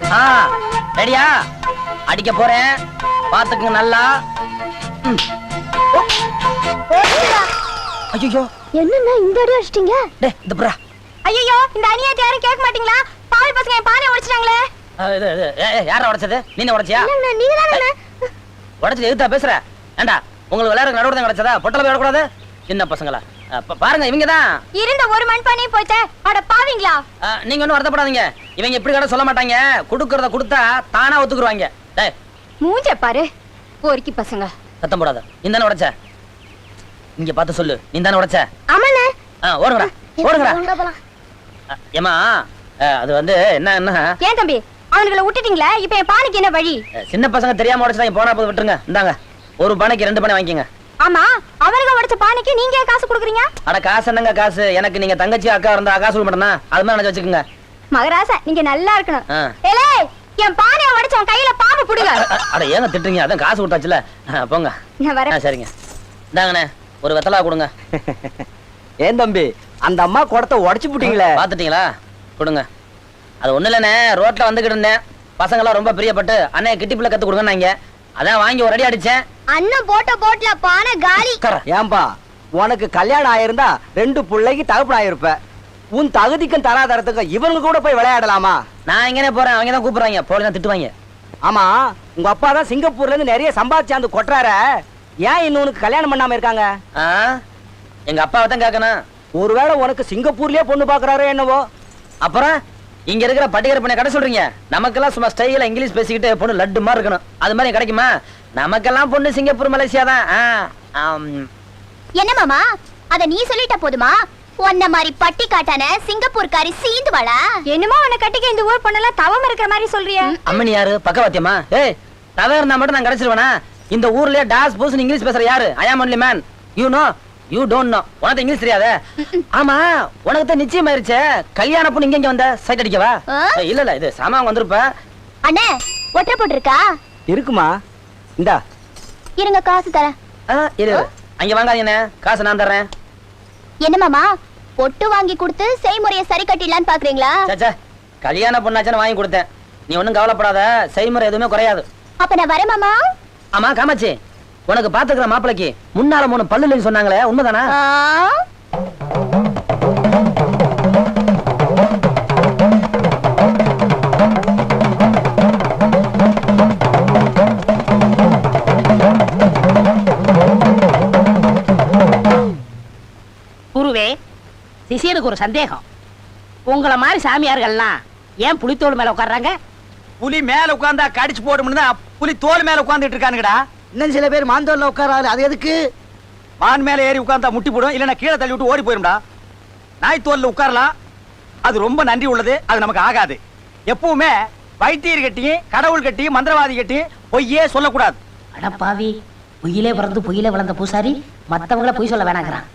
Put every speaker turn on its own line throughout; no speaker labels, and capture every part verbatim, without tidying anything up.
ரெடியா? அடிக்க போறேன், பாத்துக்குங்க நல்லா. ஐயோ
என்னன்னா இந்த அடி அடிச்சிட்டீங்க?
டேய் இந்த புறா.
ஐயோ இந்த அநியாயத்தை யாரும் கேட்க மாட்டீங்களா? பாவி பசங்க என் பானையை உடைச்சிட்டாங்களே.
யாரா உடைச்சது? நீங்க உடைச்சியா?
நீங்க தானே
உடைச்சது. எதுத்தா பேசுற? ஏண்டா உங்களுக்கு விளையாடுற நடுவுல தான் கிடைச்சதா? பொட்டல போய் விடக்கூடாது. சின்ன பசங்களா பாருங்க, இவங்க தான்
இருந்த ஒரு மண் பானையும் போச்சே. அட பாவிங்களா.
நீங்க ஒன்னும் வருத்தப்படாதீங்க. இவங்க இப்படி கடை சொல்ல மாட்டாங்க. கொடுக்கறத கொடுத்தா தானா ஒத்துக்குருவாங்க. டேய்
மூஞ்ச பாரு போர்க்கி பசங்க.
சத்தம் போடாத. நீ தானே உடைச்ச? இங்க பார்த்து சொல்லு. நீ தானே உடைச்ச?
ஆமாண்ணே.
ஓடுங்கடா ஓடுங்கடா. ஏமா அது வந்து என்ன என்ன
ஏன் தம்பி அவனுங்களை விட்டுட்டீங்களே, இப்ப என் பானைக்கு என்ன வழி?
சின்ன பசங்க தெரியாம உடைச்சா போனா போது விட்டுருங்க. இந்தாங்க ஒரு பானைக்கு ரெண்டு பானை வாங்கிக்கங்க.
ஆமா அவனுங்க உடைச்ச பானைக்கு நீங்க ஏன் காசு கொடுக்குறீங்க?
அட காசு என்னங்க காசு? எனக்கு நீங்க தங்கச்சி அக்கா இருந்தா காசு கொடுக்க மாட்டேனா? அது மாதிரி நினைச்சு வச்சுக்கோங்க.
மகராசா நீங்க நல்லா இருக்கணும். ஏலே என் பானையை உடைச்ச உன் கையில பாம்பு புடுங்க.
அட ஏங்க திட்டுறீங்க? அதான் காசு கொடுத்தாச்சுல. போங்க.
நான் வரேன்.
சரிங்க இந்தாங்கண்ணே ஒரு வெத்தலா கொடுங்க.
ஏன் தம்பி அந்த அம்மா குடத்தை உடைச்சு போட்டீங்களே,
பாத்துட்டீங்களா? கொடுங்க. அது ஒண்ணு இல்லண்ணே, ரோட்ல வந்துகிட்டு இருந்தேன். பசங்க எல்லாம் ரொம்ப பிரியப்பட்டு அண்ணே கிட்டிப்புல கத்து கொடுங்கன்னாங்க. அதான் வாங்கி ஒரு அடி அடிச்சேன்.
அண்ணன் போட்ட போட்ல பானை காலி.
ஏன்பா உனக்கு கல்யாணம் ஆயிருந்தா ரெண்டு பிள்ளைக்கு தகப்பன் ஆயிருப்ப. உன் தகுதிக்கும் தராதரத்துக்கு இவங்க கூட போய் விளையாடலாமா?
நான் எங்கனே போறேன், அவங்க தான் கூப்பிடுறாங்க. போலதான் திட்டுவாங்க.
ஆமா உங்க அப்பா தான் சிங்கப்பூர்ல இருந்து நிறைய சம்பாதிச்சு அந்த கொட்டுறார. ஏன் இன்னொன்னு கல்யாணம் பண்ணாம இருக்காங்க?
எங்க அப்பாவை தான் கேட்கணும்.
ஒருவேளை உனக்கு சிங்கப்பூர்லயே பொண்ணு பாக்குறாரோ என்னவோ.
அப்புறம் இங்க இருக்கிற பட்டிகர் பண்ண கடை சொல்றீங்க? நமக்கெல்லாம் சும்மா ஸ்டைல இங்கிலீஷ் பேசிக்கிட்டு பொண்ணு லட்டு மாதிரி இருக்கணும். அது மாதிரி கிடைக்குமா? நமக்கெல்லாம் பொண்ணு சிங்கப்பூர் மலேசியா தான்.
என்ன மாமா அத நீ சொல்லிட்ட போதுமா? உன்ன மாதிரி பட்டி காட்டான சிங்கப்பூர்காரி சீந்துவாளா? என்னமோ உன்னை கட்டிக்க இந்த ஊர் பொண்ணெல்லாம் தவம் இருக்கிற மாதிரி சொல்றிய.
அம்மனி யாரு? பக்கவாத்தியமா? ஏய் தவ இருந்தா மட்டும் நான் கிடைச்சிருவேனா? இந்த ஊர்லயே டாஸ் பூஸ் இங்கிலீஷ் பேசுற யாரு? I am only man. You know you don't know. உனக்கு இங்கிலீஷ் தெரியாதே? ஆமா உனக்கு தான் நிச்சயம் ஆயிருச்சே. கல்யாண பொண்ணு இங்க வந்த சைட் அடிக்கவா? இல்ல இல்ல இது சாமான் வந்திருப்ப.
அண்ணே ஒற்றை போட்டுருக்கா?
இருக்குமா? இந்தா
இருங்க காசு தரேன்.
இரு அங்க வாங்காதீங்க, காசு நான் தர்றேன்.
என்ன மாமா பொட்டு வாங்கி கொடுத்து செய்முறையை சரி கட்டிடலான்னு பாக்குறீங்களா?
சச்சா கல்யாண பொண்ணாச்சுன்னு வாங்கி கொடுத்தேன். நீ ஒண்ணும் கவலைப்படாத, செய்முறை எதுவுமே குறையாது.
அப்ப நான் வரேன் மாமா.
ஆமா காமாச்சி உனக்கு பாத்துக்கிற மாப்பிளைக்கு முன்னால மூணு பல்லுன்னு சொன்னாங்களே உண்மைதானா?
குருவே சிஷியனுக்கு ஒரு சந்தேகம். உங்களை மாதிரி சாமியார்கள்லாம் ஏன் புலித்தோல் மேல உட்கார்றாங்க?
புலி மேல உட்கார்ந்தா கடிச்சு போடும்னு புலி தோல் மேல உட்கார்ந்துட்டு இருக்கானுங்கடா. இன்னும் சில பேர் மாந்தோல்ல உட்காராது. அது எதுக்கு? மான் மேல ஏறி உட்கார்ந்தா முட்டி போடும், இல்லன்னா கீழே தள்ளி விட்டு ஓடி போயிரும்டா. நாய் தோல்ல உட்காரலாம், அது ரொம்ப நன்றி உள்ளது. அது நமக்கு ஆகாது. எப்பவுமே வைத்தியர் கட்டியும் கடவுள் கட்டியும் மந்திரவாதி கட்டியும் பொய்யே சொல்லக்கூடாது.
அடப்பாவி, பொய்யிலே பிறந்து பொய்யிலே வளர்ந்த பூசாரி மத்தவங்கள பொய் சொல்ல வேணாங்கிறான்.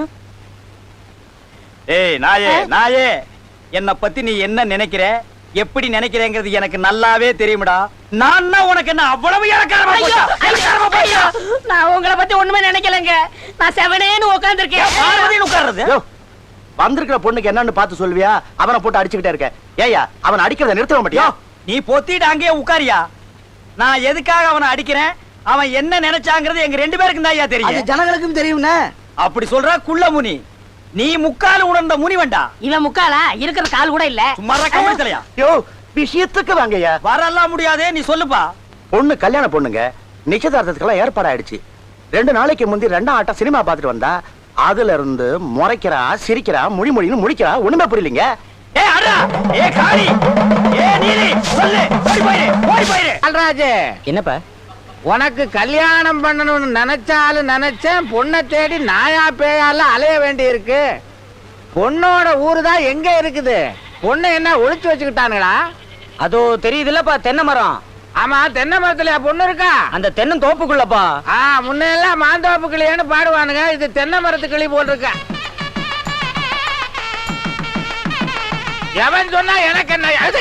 ஏய் நாயே நாயே, என்ன பத்தி நீ என்ன நினைக்கிற, எப்படி நினைக்கிறேங்கிறது எனக்கு நல்லாவே தெரியும்டா. நான் உனக்கு என்ன அவ்வளவு இலக்காரமா போச்சா?
நான் உங்களை பத்தி ஒண்ணுமே நினைக்கலங்க. நான் செவனேன்னு உட்கார்ந்திருக்கேன்.
உட்கார்றது வந்திருக்கிற பொண்ணுக்கு என்னன்னு பார்த்து சொல்வியா? அவனை போட்டு அடிச்சுக்கிட்டே இருக்க. ஏயா அவன் அடிக்கிறத நிறுத்த மாட்டியா? நீ பொத்திட்டு அங்கேயே உட்காரியா? நான் எதுக்காக அவனை அடிக்கிறேன், அவன் என்ன நினைச்சாங்கிறது எங்க ரெண்டு பேருக்கும் தான் தெரியும். ஜனங்களுக்கும் தெரியும். அப்படி சொல்ற குள்ள முனி, நீ முக்கால உணர்ந்த முனி வேண்டா.
இவன் முக்காலா இருக்கிற கால் கூட இல்ல.
சும்மா கம்பெனியா? யோ விஷயத்துக்கு வாங்கய்யா. வரலாம் முடியாதே, நீ சொல்லுப்பா. பொண்ணு கல்யாண பொண்ணுங்க, நிச்சயதார்த்தத்துக்கெல்லாம் ஏற்பாடு ஆயிடுச்சு. ரெண்டு நாளைக்கு முந்தி ரெண்டாம் ஆட்டம் சினிமா பார்த்துட்டு வந்தா அதுல இருந்து முறைக்கிறா, சிரிக்கிறா, மொழி மொழின்னு முடிக்கிறா. ஒண்ணுமே புரியலீங்க. ஏ அடா, ஏ காளி, ஏ நீலி, சொல்லு, ஓடி போயிரு, ஓடி போயிரு.
அல்ராஜ்,
என்னப்பா?
உனக்கு கல்யாணம் பண்ணணும்னு நினைச்சாலும் நினைச்சேன், பொண்ணை தேடி நாயா பேயால அலைய வேண்டி இருக்கு. பொண்ணோட ஊரு தான் எங்க இருக்குது? பொண்ணு என்ன ஒளிச்சு வச்சுக்கிட்டானுங்களா?
அதோ தெரியுதுல்லப்பா தென்னை மரம்.
ஆமா, தென்னை மரத்துல பொண்ணு இருக்கா?
அந்த தென்னை தோப்புக்குள்ளப்பா.
ஆ, முன்னெல்லாம் மாந்தோப்பு கிளியன்னு பாடுவானுங்க, இது தென்னை மரத்து கிளி போல் இருக்க. எவன் சொன்னா எனக்கு என்ன?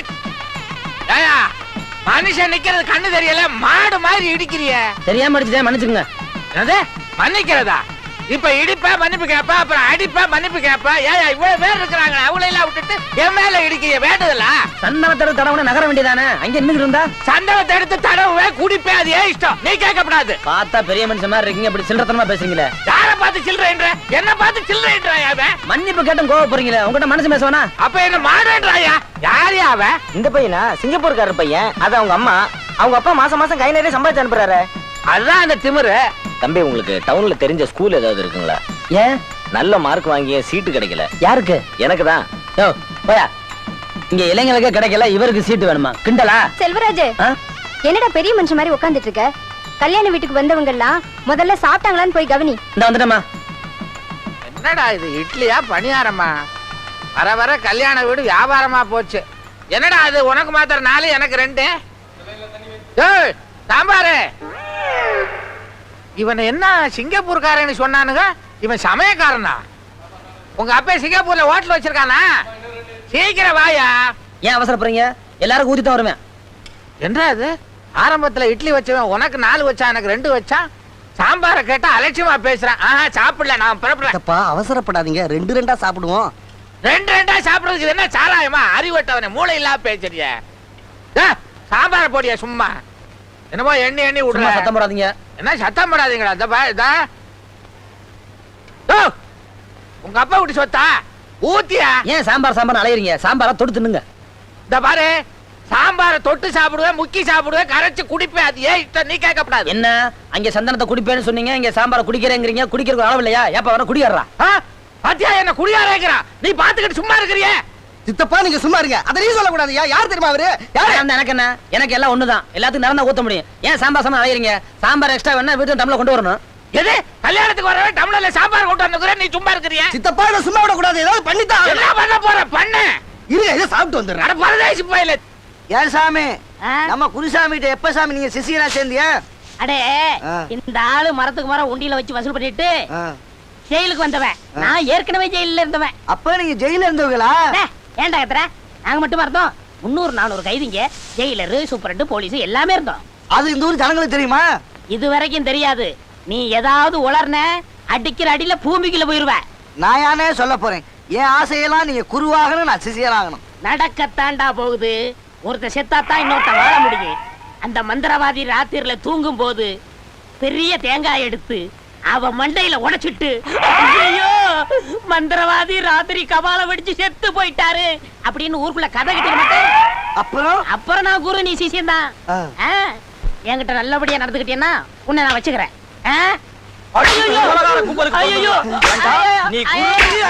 மனுஷன் நிக்கிறது கண்ணு தெரியல, மாடு மாதிரி இடிக்கிறிய.
தெரியாம அடிச்சுட்டேன், மன்னிச்சுங்க.
மன்னிக்கிறதா? இப்ப இடிப்ப மன்னிப்பு கேப்ப அப்புறம் அடிப்ப மன்னிப்பு கேப்ப ஏன் இவ்வளவு பேர் இருக்கிறாங்க அவளை எல்லாம் விட்டுட்டு என் மேல இடிக்க வேண்டதில்ல
சந்தனத்தோட தடவை நகர வேண்டியதானே அங்க நின்று இருந்தா
சந்தனத்தை எடுத்து தடவை குடிப்பே அது ஏன் இஷ்டம் நீ கேட்கப்படாது
பார்த்தா பெரிய மனுஷன் மாதிரி இருக்கீங்க இப்படி சில்லறத்தனமா பேசுறீங்களே
யார பார்த்து சில்லறைன்ற என்ன பார்த்து சில்லறைன்ற அவன்
மன்னிப்பு கேட்டும் கோவ போறீங்களே உங்ககிட்ட மனசு பேசுவானா
அப்ப என்ன மாடேன்றாயா யாரு அவன்
இந்த பையனா சிங்கப்பூர்காரர் பையன் அது அவங்க அம்மா அவங்க அப்பா மாசம் மாசம் கை நிறைய சம்பாதிச்சு அனுப்புறாரு
அதுதான் அந்த திமிரு
தம்பி உங்களுக்கு டவுன்ல தெரிஞ்ச ஸ்கூல் ஏதாவது இருக்குங்களா
ஏன்
நல்ல மார்க் வாங்கிய சீட்டு கிடைக்கல
யாருக்கு
எனக்கு தான்
யோ போயா இங்க இளைஞர்களுக்கே கிடைக்கல இவருக்கு சீட்டு வேணுமா கிண்டலா
செல்வராஜ்
ஆ?
என்னடா பெரிய மனுஷன் மாதிரி உட்கார்ந்துட்டு இருக்க கல்யாண வீட்டுக்கு வந்தவங்க எல்லாம் முதல்ல சாப்பிட்டாங்களான்னு போய் கவனி.
இந்த வந்துட்டமா
என்னடா இது இட்லியா பணியாரமா வர வர கல்யாண வீடு வியாபாரமா போச்சு என்னடா அது உனக்கு மாத்திரம் நாலு எனக்கு ரெண்டு ஏய், சாம்பாரு இவன் என்ன சிங்கப்பூர்காரன்னு சொன்னானுங்க இவன் சமயக்காரனா உங்க அப்பா சிங்கப்பூர்ல ஹோட்டல் வச்சிருக்கானா சீக்கிரம் வாயா
ஏன் அவசரப்படுறீங்க எல்லாரும் ஊத்தி தான் வருவேன்
என்ன அது ஆரம்பத்துல இட்லி வச்சவன் உனக்கு நாலு வச்சா எனக்கு ரெண்டு வச்சான் சாம்பாரை கேட்டா அலட்சியமா பேசுறான் ஆஹா சாப்பிடல நான் புறப்படுறேன்
அப்பா அவசரப்படாதீங்க ரெண்டு ரெண்டா சாப்பிடுவோம்
ரெண்டு ரெண்டா சாப்பிடுறதுக்கு இது என்ன சாராயமா அறிவட்டவனே மூளை இல்லாம பேசுறிய சாம்பார போடியா சும்மா என்னமோ எண்ணி எண்ணி
சும்மா
விடுற
சத்தம் போடாதீங்க
என்ன சத்தம் போடாதீங்களா இந்த பா இதா ஓ, உங்க அப்பா விட்டு சொத்தா ஊத்தியா
ஏன் சாம்பார் சாம்பார் அலையறீங்க சாம்பாரா தொட்டு தின்னுங்க
இந்த பாரு சாம்பார தொட்டு சாப்பிடுவேன் முக்கி சாப்பிடுவேன் கரைச்சு குடிப்பேன் அது ஏன் இஷ்டம் நீ கேட்கப்படாது
என்ன அங்க சந்தனத்தை குடிப்பேன்னு சொன்னீங்க இங்க சாம்பார குடிக்கிறேங்கிறீங்க குடிக்கிறதுக்கு அளவு இல்லையா ஏப்ப வர குடிக்கிறா
ஆ? பாத்தியா என்ன குடியாரேங்கிறான் நீ பாத்துக்கிட்டு சும்மா இருக்கிறியே
சித்தப்பா நீங்க சும்மா இருங்க அதை நீ சொல்லக்கூடாது யார் தெரியுமா அவரு
எனக்கு என்ன எனக்கு எல்லாம் ஒண்ணுதான் எல்லாத்துக்கும் நேரம் தான் ஊத்த முடியும் ஏன் சாம்பார் சாம்பார் அலையறீங்க சாம்பார் எக்ஸ்ட்ரா வேணா வீட்டு டம்ளர் கொண்டு வரணும்
எது கல்யாணத்துக்கு வரவே டம்ளர்ல சாம்பார் கொண்டு வந்துக்கிறேன் நீ சும்மா இருக்கிறிய
சித்தப்பா இதை சும்மா விடக்கூடாது ஏதாவது பண்ணித்தான்
என்ன பண்ண போற பண்ண
இருங்க இதை சாப்பிட்டு வந்துடுறேன்
அட பரதேசி போயில
ஏன் சாமி
ஆ?
நம்ம குருசாமி கிட்ட எப்ப சாமி நீங்க சிசியனா சேர்ந்தியா
அடே
ஆ.
இந்த ஆளு மரத்துக்கு மரம் உண்டியில வச்சு வசூல் பண்ணிட்டு
ஆ.
ஜெயிலுக்கு வந்தவன் நான் ஏற்கனவே ஜெயில இருந்தவன்
அப்ப நீங்க ஜெயில இருந்தவங்களா
அடே, ஏன்டா கத்துற நாங்க மட்டுமா இருந்தோம் முன்னூறு நானூறு கைதிங்க ஜெயிலரு சூப்பரண்டு போலீஸ் எல்லாமே இருந்தோம்
அது இந்த ஊர் ஜனங்களுக்கு தெரியுமா
இது வரைக்கும் தெரியாது நீ ஏதாவது உளர்ன அடிக்கிற அடியில பூமிக்குள்ள போயிருவ
நான் யானே சொல்ல போறேன் என் ஆசையெல்லாம் நீங்க குருவாகணும் நான் சிசியனாகணும்
நடக்கத்தாண்டா போகுது ஒருத்த செத்தாத்தான் இன்னொருத்த வாழ முடியும் அந்த மந்திரவாதி ராத்திரில தூங்கும் போது பெரிய தேங்காய் எடுத்து அவ மண்டையில உடைச்சிட்டு ஐயோ மந்திரவாதி ராத்திரி கபால வெடிச்சு செத்து போயிட்டாரு அப்படின்னு ஊருக்குள்ள கதை கிட்ட மாட்டேன்
அப்புறம்
அப்புறம் நான் குரு நீ சிசியம் தான்
ஆ.
என்கிட்ட நல்லபடியா நடந்துக்கிட்டேன்னா உன்னை நான் வச்சுக்கிறேன் ஆ? ஐயையோ!
நீ
ஐயோ!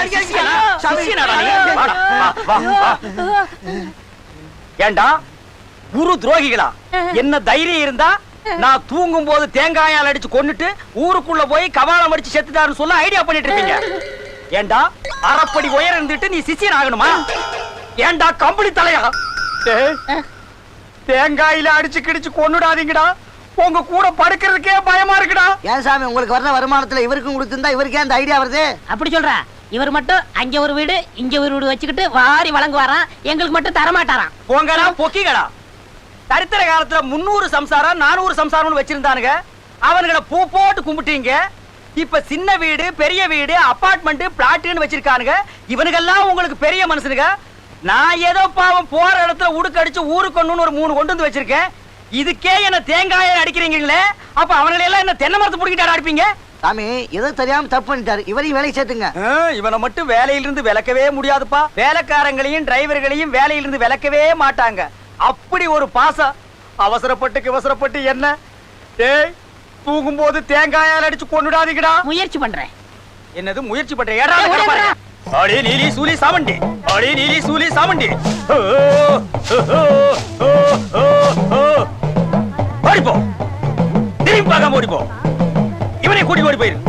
ஏண்டா குரு துரோகிகளா என்ன தைரியம் இருந்தா நான் தூங்கும் போது தேங்காயால் அடிச்சு கொன்னுட்டு ஊருக்குள்ள போய் கபாலம் அடிச்சு செத்துட்டாருன்னு சொல்ல ஐடியா பண்ணிட்டு இருக்கீங்க ஏண்டா அரைப்படி உயரம் இருந்துட்டு நீ சிசியன் ஆகணுமா ஏண்டா கம்பளி தலையா டேய், தேங்காயில அடிச்சு கிடிச்சு கொன்னுடாதீங்கடா உங்க கூட படுக்கிறதுக்கே பயமா இருக்குடா
ஏன் சாமி உங்களுக்கு வர்ற வருமானத்துல இவருக்கும் கொடுத்திருந்தா இவருக்கே அந்த ஐடியா வருது
அப்படி சொல்றா இவர் மட்டும் அங்க ஒரு வீடு இங்க ஒரு வீடு வச்சுக்கிட்டு வாரி வழங்குவாராம் எங்களுக்கு மட்டும் தர மாட்டாராம்
போங்கடா பொக்கிகளா சரித்திர காலத்துல முன்னூறு சம்சாரம் நானூறு சம்சாரம்னு வச்சிருந்தானுங்க அவனுங்களை பூ போட்டு கும்பிட்டீங்க இப்ப சின்ன வீடு பெரிய வீடு அபார்ட்மெண்ட் பிளாட்னு வச்சிருக்கானுங்க இவனுக்கெல்லாம் உங்களுக்கு பெரிய மனுஷனுங்க நான் ஏதோ பாவம் போற இடத்துல உடுக்க அடிச்சு ஊருக்கு ஒண்ணுன்னு ஒரு மூணு கொண்டு வந்து வச்சிருக்கேன் இதுக்கே என்ன தேங்காயை அடிக்கிறீங்களே அப்ப அவங்களை எல்லாம் என்ன தென்னை மரத்து பிடிக்கிட்டாரு அடிப்பீங்க
சாமி ஏதோ தெரியாம தப்பு பண்ணிட்டாரு இவரையும் வேலைக்கு சேர்த்துங்க
இவனை மட்டும் வேலையிலிருந்து விலக்கவே முடியாதுப்பா வேலைக்காரங்களையும் டிரைவர்களையும் வேலையிலிருந்து விலக்கவே மாட்டாங்க அப்படி ஒரு பாசம் அவசரப்பட்டு அவசரப்பட்டு என்ன டேய் தூங்கும் போது தேங்காயால் அடிச்சு கொண்டுடாதீங்கடா
முயற்சி பண்றேன்
என்னது முயற்சி பண்ற ஏடா அடே நீலி சூலி சாமண்டி அடே நீலி சூலி சாமண்டி ஓ, ஓ, ஓ, ஓ, ஓ, ஓ. ஓடிப்போ திரும்பி பார்க்காம ஓடிப்போ இவனை கூட்டி ஓடி போயிரு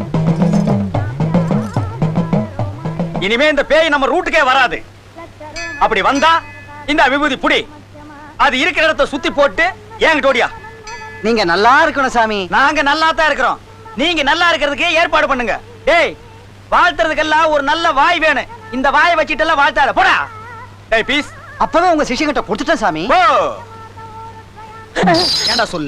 இனிமே இந்த பேய் நம்ம ரூட்டுக்கே வராது அப்படி வந்தா இந்த விபூதி புடி அது இருக்கிற இடத்தை சுத்தி போட்டு ஏங்கிட்ட ஓடியா
நீங்க நல்லா இருக்கணும் சாமி
நாங்க நல்லா தான் இருக்கிறோம் நீங்க நல்லா இருக்கிறதுக்கு ஏற்பாடு பண்ணுங்க டேய் வாழ்த்துறதுக்கெல்லாம் ஒரு நல்ல வாய் வேணும் இந்த வாயை வச்சிட்டு எல்லாம் வாழ்த்தாத போடா டேய் பீஸ்
அப்பவே உங்க சிஷ்யங்கிட்ட கொடுத்துட்டேன் சாமி
போ
ஏண்டா சொல்ல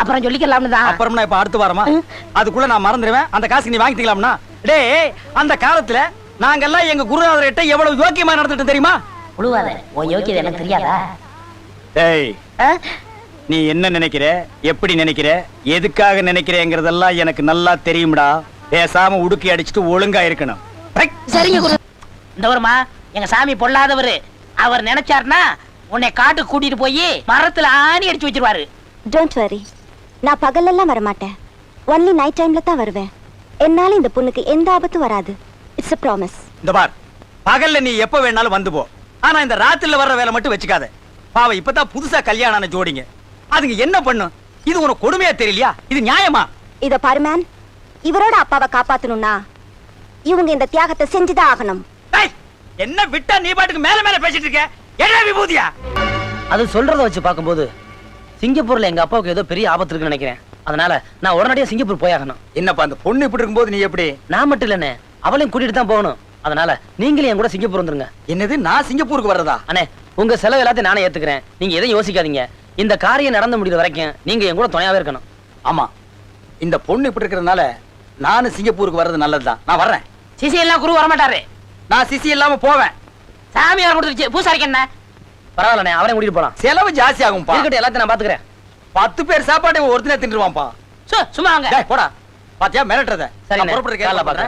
அப்புறம் சொல்லிக்கலாம்னு தான்.
அப்புறம் நான் இப்ப அடுத்து வாரமா அதுக்குள்ள நான் மறந்துடுவேன். அந்த காசுக்கு நீ வாங்கிக்கலாம்னா? டேய், அந்த காலத்துல நாங்கெல்லாம் எங்க குருநாதர்கிட்ட எவ்வளவு யோக்கியமா நடந்துட்டு தெரியுமா?
உழுவாத, உன் யோக்கியது எனக்கு தெரியாதா?
டேய், நீ என்ன நினைக்கிற, எப்படி நினைக்கிற, எதுக்காக நினைக்கிறேங்கிறதெல்லாம் எனக்கு நல்லா தெரியும்டா. பேசாம உடுக்கி அடிச்சுட்டு ஒழுங்கா இருக்கணும்.
சரிங்க குரு. இந்த வருமா, எங்க சாமி பொல்லாதவரு. அவர் நினைச்சாருன்னா உன்னை காட்டுக்கு கூட்டிட்டு போய் மரத்துல ஆணி அடிச்சு வச்சிருவாரு.
டோன்ட் வரி, நான் பகலெல்லாம் வர மாட்டேன். ஒன்லி நைட் டைம்ல தான் வருவேன். என்னால இந்த பொண்ணுக்கு எந்த ஆபத்தும் வராது. It's a promise.
இந்த பார், பகல்ல நீ எப்ப வேணாலும் வந்து போ. ஆனா இந்த ராத்திரில வர்ற வேலை மட்டும் வச்சுக்காத. பாவம் இப்பதான் புதுசா கல்யாணம் ஆன ஜோடிங்க, அதுங்க என்ன பண்ணும்? இது உனக்கு கொடுமையா தெரியலையா? இது நியாயமா?
இத பாரு மேன், இவரோட அப்பாவை காப்பாத்தணும்னா இவங்க இந்த தியாகத்தை செஞ்சுதான் ஆகணும்.
டேய், என்ன விட்டா நீ பாட்டுக்கு மேல மேல பேசிட்டு இருக்க? என்ன விபூதியா?
அது சொல்றத வச்சு பார்க்கும்போது சிங்கப்பூர்ல எங்க அப்பாவுக்கு ஏதோ பெரிய ஆபத்து இருக்குன்னு நினைக்கிறேன். அதனால நான் உடனடியா சிங்கப்பூர் போயாகணும்.
என்னப்பா அந்த பொண்ணு இப்படி இருக்கும்போது நீ எப்படி?
நான் மட்டும் இல்லனே, அவளையும் கூட்டிட்டு தான் போகணும். அதனால நீங்களே என் கூட சிங்கப்பூர் வந்துருங்க.
என்னது, நான் சிங்கப்பூருக்கு வர்றதா?
அண்ணே, உங்க செலவு எல்லாத்தையும் நானே ஏத்துக்கிறேன். நீங்க எதையும் யோசிக்காதீங்க. இந்த காரியம் நடந்து முடிகிற வரைக்கும் நீங்க என் கூட துணையாவே இருக்கணும்.
ஆமா, இந்த பொண்ணு இப்படி இருக்கிறதுனால நானும் சிங்கப்பூருக்கு வர்றது நல்லதுதான். நான் வர்றேன்.
சிசி எல்லாம் குரு வர மாட்டாரு.
நான் சிசி இல்லாம போவேன்.
சாமி வர கொடுத்துருச்சு, பூசாரிக்கு என்ன?
பரவாயில்லண்ணே, அவரையும் கூட்டிட்டு போலாம்.
செலவு ஜாஸ்தி ஆகும்பா.
இருக்கட்டும், எல்லாத்தையும் நான் பாத்துக்கிறேன்.
பத்து பேர் சாப்பாடு ஒருத்தனே தின்றுவான்பா.
சு, சும்மா வாங்க.
டேய், போடா. பாத்தியா மிரட்டுறத?
சரி,
நான் புறப்படுறேன்.
காலைல பாக்குறேன்.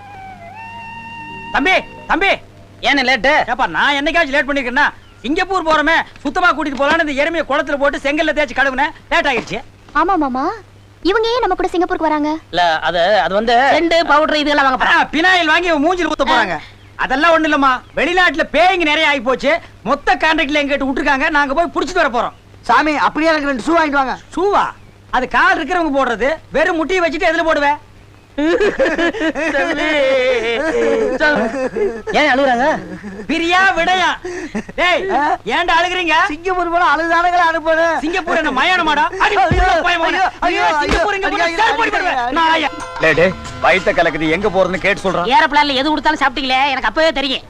தம்பி, தம்பி,
ஏன்னு லேட்டு?
ஏப்பா நான் என்னைக்காச்சும் லேட் பண்ணிருக்கேன்னா? சிங்கப்பூர் போறமே, சுத்தமா கூட்டிட்டு போலான்னு இந்த எருமையை குளத்துல போட்டு செங்கல்ல தேய்ச்சி கழுவுனேன். லேட் ஆகிடுச்சு.
ஆமா மாமா, இவங்க ஏன் நம்ம கூட சிங்கப்பூருக்கு வராங்க?
இல்ல, அது அது வந்து
ரெண்டு பவுடர் இதெல்லாம் வாங்க போறேன்.
பினாயில் வாங்கி மூஞ்சில ஊத்த போறாங்க. அதெல்லாம் ஒண்ணு இல்லம்மா, வெளிநாட்டுல பேய்ங்க நிறைய ஆகி போச்சு. மொத்த கான்ட்ராக்ட்ல எங்கிட்ட விட்டுருக்காங்க. நாங்க போய் புடிச்சிட்டு வர போறோம்.
சாமி, அப்படியே எனக்கு ரெண்டு ஷூ வாங்கிட்டு வாங்க.
ஷூவா? அது கால் இருக்கிறவங்க போடுறது. வெறும் முட்டியை வச்சுட்டு எதுல போடுவேன்?
ஏன் அழுகுறாங்க?
பிரியா விடையா? டேய், ஏன்டா அழுகுறீங்க?
சிங்கப்பூர் போல அழுதானங்களே அனுப்புறேன்.
சிங்கப்பூர் என்ன மயானமாடா? அடி பயமாடா. ஐயோ, சிங்கப்பூர் இங்க போனா சார் போய் போடுவேன். நாயா. டேய் டேய், வயித்த கலக்குது, எங்க போறதுன்னு கேட்டு சொல்றேன்.
ஏரோப்ளான்ல எது கொடுத்தாலும் சாப்பிட்டீங்களே, எனக்கு அப்பவே தெரியும்.